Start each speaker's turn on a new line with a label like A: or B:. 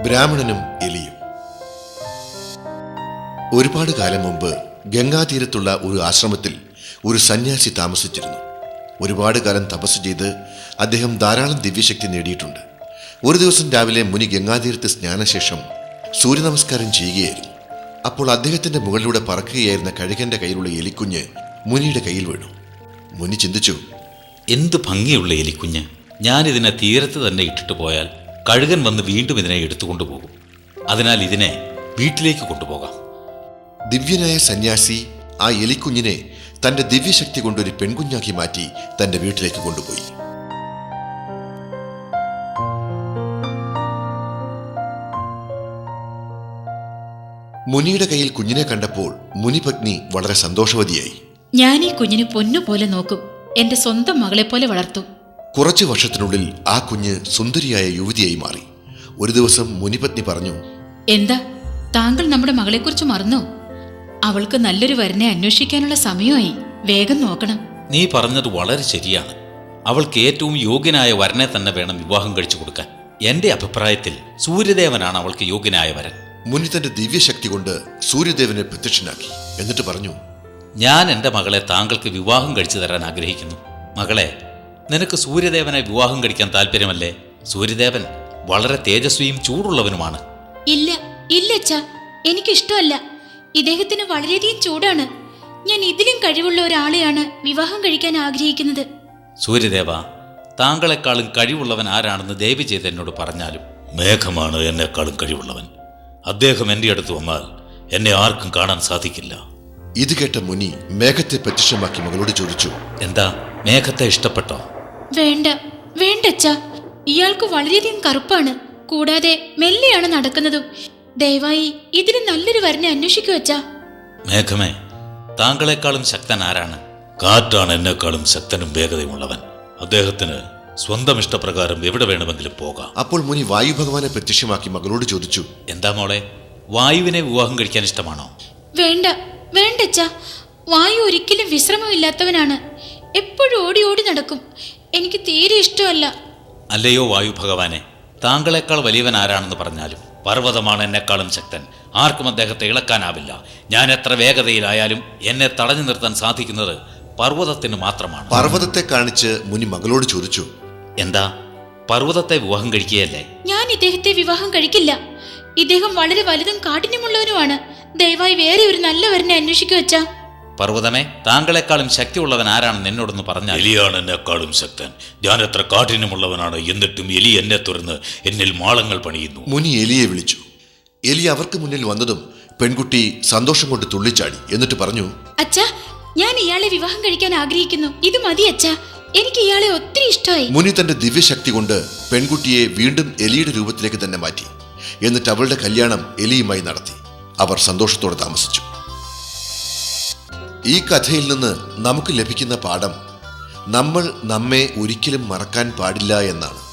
A: ബ്രാഹ്മണനും എലിയും. ഒരുപാട് കാലം മുമ്പ് ഗംഗാതീരത്തുള്ള ഒരു ആശ്രമത്തിൽ ഒരു സന്യാസി താമസിച്ചിരുന്നു. ഒരുപാട് കാലം തപസ് ചെയ്ത് അദ്ദേഹം ധാരാളം ദിവ്യശക്തി നേടിയിട്ടുണ്ട്. ഒരു ദിവസം രാവിലെ മുനി ഗംഗാതീരത്ത് സ്നാനശേഷം സൂര്യനമസ്കാരം ചെയ്യുകയായിരുന്നു. അപ്പോൾ അദ്ദേഹത്തിന്റെ മുകളിലൂടെ പറക്കുകയായിരുന്ന കഴുകന്റെ കയ്യിലുള്ള എലിക്കുഞ്ഞ് മുനിയുടെ കയ്യിൽ വീണു. മുനി ചിന്തിച്ചു,
B: എന്ത് ഭംഗിയുള്ള എലിക്കുഞ്ഞ്! ഞാനിതിനെ തീരത്ത് തന്നെ ഇട്ടിട്ട് പോയാൽ കഴുകൻ വന്ന് വീണ്ടും ഇതിനെ എടുത്തുകൊണ്ടുപോകും. അതിനാൽ ഇതിനെ വീട്ടിലേക്ക് കൊണ്ടുപോകാം.
A: ദിവ്യനായ സന്യാസി ആ എലിക്കുഞ്ഞിനെ തന്റെ ദിവ്യശക്തി കൊണ്ടൊരു പെൺകുഞ്ഞാക്കി മാറ്റി തന്റെ വീട്ടിലേക്ക് കൊണ്ടുപോയി. മുനിയുടെ കയ്യിൽ കുഞ്ഞിനെ കണ്ടപ്പോൾ മുനിപത്നി വളരെ സന്തോഷവതിയായി.
C: ഞാൻ ഈ കുഞ്ഞിനെ പൊന്നുപോലെ നോക്കും, എന്റെ സ്വന്തം മകളെ പോലെ വളർത്തും.
A: കുറച്ചു വർഷത്തിനുള്ളിൽ ആ കുഞ്ഞ് സുന്ദരിയായ യുവതിയായി മാറി. ഒരു ദിവസം മുനിപത്നി പറഞ്ഞു,
C: എന്താ താങ്കൾ നമ്മുടെ മകളെക്കുറിച്ച് മറന്നോ? അവൾക്ക് നല്ലൊരു വരനെ അന്വേഷിക്കാനുള്ള സമയമായി, വേഗം നോക്കണം.
B: നീ പറഞ്ഞത് വളരെ ശരിയാണ്. അവൾക്ക് ഏറ്റവും യോഗ്യനായ വരനെ തന്നെ വേണം വിവാഹം കഴിച്ചു കൊടുക്കാൻ. എന്റെ അഭിപ്രായത്തിൽ സൂര്യദേവനാണ് അവൾക്ക് യോഗ്യനായ വരൻ.
A: മുനി തന്റെ ദിവ്യശക്തി കൊണ്ട് സൂര്യദേവനെ പ്രത്യക്ഷനാക്കി. എന്നിട്ട് പറഞ്ഞു,
B: ഞാൻ എൻ്റെ മകളെ താങ്കൾക്ക് വിവാഹം കഴിച്ചു തരാൻ ആഗ്രഹിക്കുന്നു. മകളെ, നിനക്ക് സൂര്യദേവനെ വിവാഹം കഴിക്കാൻ താല്പര്യമല്ലേ? സൂര്യദേവൻ വളരെ തേജസ്വിയും ചൂടുള്ളവനുമാണ്.
C: ഇല്ല ഇല്ല അച്ഛാ, എനിക്കിഷ്ടമല്ല. ഇദ്ദേഹത്തിന് വളരെയധികം ചൂടാണ്. ഞാൻ ഇതിലും കഴിവുള്ള ഒരാളെയാണ് വിവാഹം കഴിക്കാൻ ആഗ്രഹിക്കുന്നത്.
B: സൂര്യദേവ, താങ്കളെക്കാളും കഴിവുള്ളവൻ ആരാണെന്ന് ദയവ് ചെയ്ത് എന്നോട് പറഞ്ഞാലും. മേഘമാണ് എന്നെക്കാളും കഴിവുള്ളവൻ. അദ്ദേഹം എൻ്റെ അടുത്ത് വന്നാൽ എന്നെ ആർക്കും കാണാൻ സാധിക്കില്ല.
A: ഇത് കേട്ട മുനി മേഘത്തെ പ്രത്യക്ഷമാക്കി മകളോട് ചോദിച്ചു,
B: എന്താ, മേഘത്തെ ഇഷ്ടപ്പെട്ടോ?
C: വേണ്ട വേണ്ട അച്ഛാ, ഇയാൾക്ക് വളരെയധികം കറുപ്പാണ്, കൂടാതെ മെല്ലെയാണ് നടക്കുന്നതും. ദയവായി ഇതിന് നല്ലൊരു വരനെ അന്വേഷിക്കൂ അച്ഛാ.
B: മേഘമേ, താങ്കളെക്കാളും ശക്തൻ ആരാണ്? കാറ്റാണ് എന്നെക്കാളും ശക്തനും വേഗതയുമുള്ളവൻ. അദ്ദേഹത്തിന് സ്വന്തം ഇഷ്ടപ്രകാരം എവിടെ വേണമെങ്കിലും പോകാം.
A: അപ്പോൾ മുനി വായു ഭഗവാനെ പ്രത്യക്ഷമാക്കി മകളോട് ചോദിച്ചു,
B: എന്താ മോളെ, വായുവിനെ വിവാഹം കഴിക്കാൻ ഇഷ്ടമാണോ?
C: വേണ്ട വേണ്ട അച്ഛാ, വായു ഒരിക്കലും വിശ്രമമില്ലാത്തവനാണ്, എപ്പോഴും ഓടി ഓടി നടക്കും. എനിക്ക് തീരെ ഇഷ്ടമല്ല.
B: അല്ലയോ വായു ഭഗവാനെ, താങ്കളെക്കാൾ വലിയവൻ ആരാണെന്ന് പറഞ്ഞാലും പർവ്വതമാണ് എന്നെക്കാളും ശക്തൻ. ആർക്കും അദ്ദേഹത്തെ ഇളക്കാനാവില്ല. ഞാൻ എത്ര വേഗതയിലായാലും എന്നെ തടഞ്ഞു നിർത്താൻ സാധിക്കുന്നത് പർവ്വതത്തിന് മാത്രമാണ്.
A: പർവ്വതത്തെ കാണിച്ച് മുനി മകളോട് ചോദിച്ചു,
B: എന്താ, പർവ്വതത്തെ വിവാഹം കഴിക്കുകയല്ലേ?
C: ഞാൻ ഇദ്ദേഹത്തെ വിവാഹം കഴിക്കില്ല. ഇദ്ദേഹം വളരെ വലുതും കാഠിന്യമുള്ളവനുമാണ്. ദയവായി വേറെ ഒരു നല്ല വരനെ അന്വേഷിക്കൂ അച്ഛാ.
B: പർവ്വതമേ, താങ്കളെക്കാളും ശക്തിയുള്ളവൻ ആരാണെന്ന് എന്നോടൊന്ന് പറഞ്ഞാൽ. എലിയാണ് എന്നെക്കാളും ശക്തൻ. ഞാൻ എത്ര കാഠിന്യമുള്ളവനാണ്, എന്നിട്ടും എലി എന്നെ തുറന്ന് എന്നിൽ മാളങ്ങൾ പണിയുന്നു.
A: മുനി എലിയെ വിളിച്ചു. എലി അവർക്ക് മുന്നിൽ വന്നതും പെൺകുട്ടി സന്തോഷം കൊണ്ട് തുള്ളിച്ചാടി. എന്നിട്ട് പറഞ്ഞു,
C: അച്ഛാ, ഞാൻ ഇയാളെ വിവാഹം കഴിക്കാൻ ആഗ്രഹിക്കുന്നു. ഇത് മതി അച്ഛാ, എനിക്ക് ഇയാളെ ഒത്തിരി ഇഷ്ടമായി.
A: മുനി തന്റെ ദിവ്യശക്തി കൊണ്ട് പെൺകുട്ടിയെ വീണ്ടും എലിയുടെ രൂപത്തിലേക്ക് തന്നെ മാറ്റി. എന്നിട്ട് അവളുടെ കല്യാണം എലിയുമായി നടത്തി. അവർ സന്തോഷത്തോടെ താമസിച്ചു. ഈ കഥയിൽ നിന്ന് നമുക്ക് ലഭിക്കുന്ന പാഠം, നമ്മൾ നമ്മെ ഒരിക്കലും മറക്കാൻ പാടില്ല എന്നാണ്.